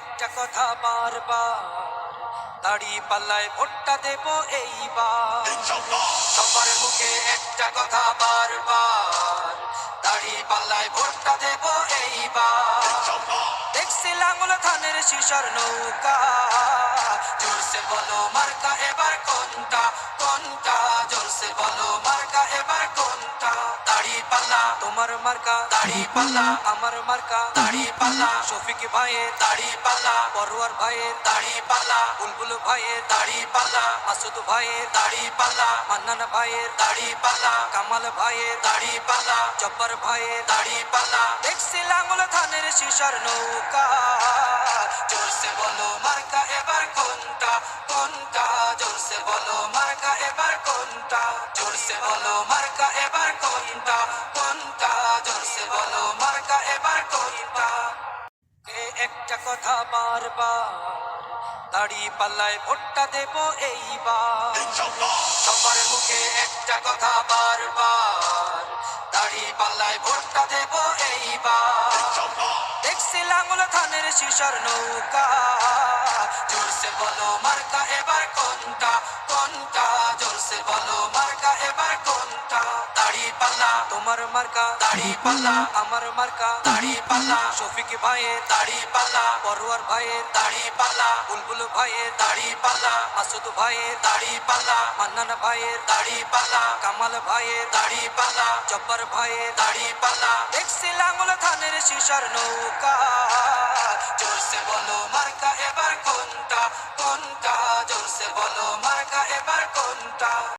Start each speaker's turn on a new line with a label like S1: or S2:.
S1: একটা কথা বারবার, দাড়ি পাল্লায় ভোটটা দেব এইবার। সবার মুখে একটা কথা বারবার, দাড়ি পাল্লায় ভোটটা দেব এইবার। দেখছি লাঙ্গল ধানের শিশর নৌকা, জোরসে বলো মার্কা এবার কোনটা কোনটা, জোরসে বলো মার্কা এবার কোনটা। দাড়ি পাল্লা তোমার মার্কা, দাড়ি পাল্লা আমার মার্কা, দাড়ি পাল্লা শফিক ভাইয়ের দাড়ি পাল্লা, পরোয়ার ভাইয়ের দাড়ি পাল্লা, বুলবুল ভাইয়ের দাড়ি পাল্লা, মাসুদ ভাইয়ের দাড়ি পাল্লা, মান্নান ভাইয়ের দাড়ি পাল্লা, কামাল ভাইয়ের দাড়ি পাল্লা, জব্বার ভাইয়ের দাড়ি পাল্লা। দেখছি লাঙ্গল ধানের শিশর নৌকা, জোরসে বলো মার্কা এবার কোনটা কোনটা, জোরসে বলো মার্কা এবার কোনটা, জোরসে বলো মার্কা এবার কোনটা কোনটা, জোরসে বলো মার্কা এবার কোনটা। একটা কথা বারবার, দাড়ি পাল্লায় ভোটটা দেব এইবার। সবার মুখে একটা কথা বারবার, দাড়ি পাল্লায় ভোটটা দেব এইবার। দেখছি লাঙ্গল ধানের শিশর নৌকা, জোরসে বলো মার্কা এবার কোনটা কোনটা, জোরসে বলো মার্কা এবার কোনটা। দাড়ি পাল্লা তোমার মার্কা, দাড়ি পাল্লা আমার মার্কা, দাড়ি পাল্লা শফিক ভাইয়ের দাড়ি পাল্লা, পরোয়ার ভাইয়ের দাড়ি পাল্লা, বুলবুল ভাইয়ের দাড়ি পাল্লা, মাসুদ ভাইয়ের দাড়ি পাল্লা, মান্নান ভাইয়ের দাড়ি পাল্লা, কামাল ভাইয়ের দাড়ি পাল্লা, জব্বার ভাইয়ের দাড়ি পাল্লা। দেখছি লাঙ্গল ধানের শিশর নৌকা, জোরসে বলো মার্কা এবার কোনটা কোনটা, জোরসে বলো মার্কা এবার কোনটা।